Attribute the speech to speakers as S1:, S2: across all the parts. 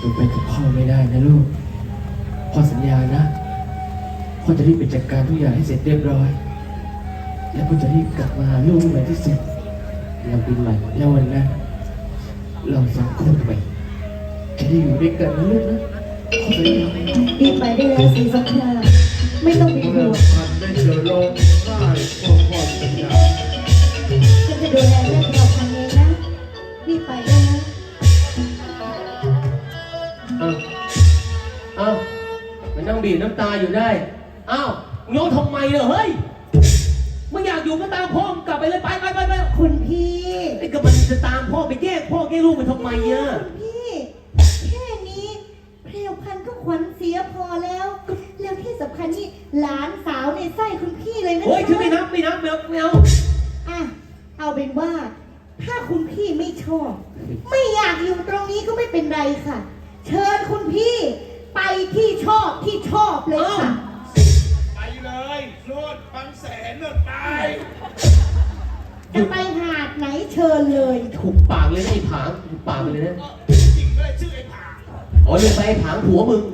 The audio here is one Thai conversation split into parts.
S1: หนูไปกับพ่อไม่ได้นะลูกพ่อสัญญานะพ่อจะรีบไปจัดการทุกอย่างให้เสร็จเรียบร้อยแล้วพ่อจะรีบกลับมาหาลูกเมื่อไหร่ที่เสร็จเราบินใหม่แล้ววันนั้นเราสองคนไปจะได้อยู่ด้วยกันนะลูกนะพ่อสัญญา
S2: รีบไปได้แล้วสีสงครามไม่ต้องเป็นห่
S3: เริ่
S2: ว
S3: ม
S2: ง
S3: พันได้เจอลงง่ายพอพอสัญญา
S2: ฉันจะดูแลเรื่องเราพันเองนะรีบไปได้นะ
S1: อ้าวมันนั่งบีบน้ำตาอยู่ได้อ้าวโยนทำไมเหรอเฮ้ยมึงอยากอยู่ก็ตามพ่อมึงกลับไปเลยไป
S2: คุณพี่
S1: ไอ้ก็มันจะตามพ่อไปแยกพ่อแยกลูกไปทำไมอ่ะ
S2: คุณพี่แค่นี้เพลวพันธุ์ก็ขวัญเสียพอแล้วแล้วที่สำคัญนี่หลานสาวในไส้คุณพี่เลยนะ
S1: โอ้ย
S2: คะ
S1: ฉันไม่นับไม่เอา
S2: อ่ะเอาเป็นว่า ถ้าคุณพี่ไม่ชอบ ไม่อยากอยู่ตรงนี้ก็ไม่เป็นไรค่ะ เชิญคุณพี่ไปที่ชอบเลยค่ะ
S3: ไปเลยโลดบางแสนโลดไป
S2: จะไปหาดไหนเชิญเลย
S1: ถูกปากเลยนะไอ้ผางถูกปากไปเลยนะ
S3: จริงเลยชื่อไอ้ผา
S1: อ๋อเลยไปไอ้ผางผัวมึง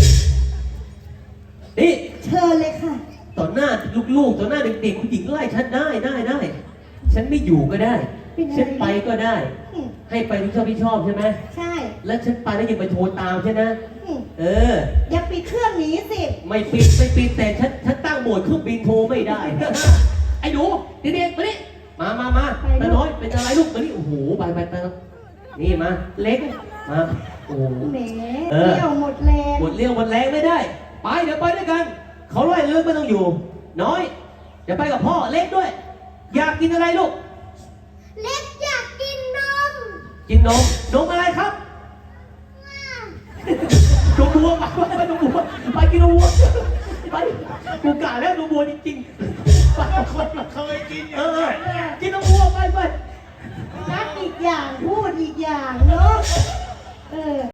S1: นี่
S2: เชิญเลยค่ะ
S1: ต่อหน้าลูกๆต่อหน้าเด็กๆคุณหญิงไล่ฉันได้ฉันไม่อยู่ก็ได้
S2: เป็นไง
S1: ฉันไปก็ได้
S2: อืม
S1: ให้ไปที่ชอบใช่ไหม
S2: ใช่
S1: แล้วฉันไปแล้วยังไปโทรตามใช่นะ
S2: อืม
S1: เออ
S2: อย่าปิดเครื่องหนีสิ
S1: ไม่ปิดแต่ฉันตั้งโหมดเครื่องบินโทรไม่ได้ ไอ้หนูเด็กๆมานี่มาตาน้อยเป็นอะไรลูกมานี่โอ้โหไปนี่มาเล็กมาโอ้โห
S2: แหม
S1: เออ
S2: เที่ยวหมดแรง
S1: หมดเรี่ยวหมดแรงไม่ได้ ไปเดี๋ยวไปด้วยกันเขาไล่เลิกไม่ต้องอยู่ น้อยเดี๋ยวไปกับพ่อเล็กด้วย อยากกินอะไรลูก
S2: เล็กอยากกินนม
S1: กินนมอะไรครับนมวัวไปนมวัวไปกินนมวัวไปกูกะแล้วนมวัวจริงๆไป
S3: คนเคยกินอ
S1: เอย่าง อ
S3: นั้น
S1: กินนมวัวไป
S2: นัดอีกอย่างพูดอีกอย่างเนาะเออ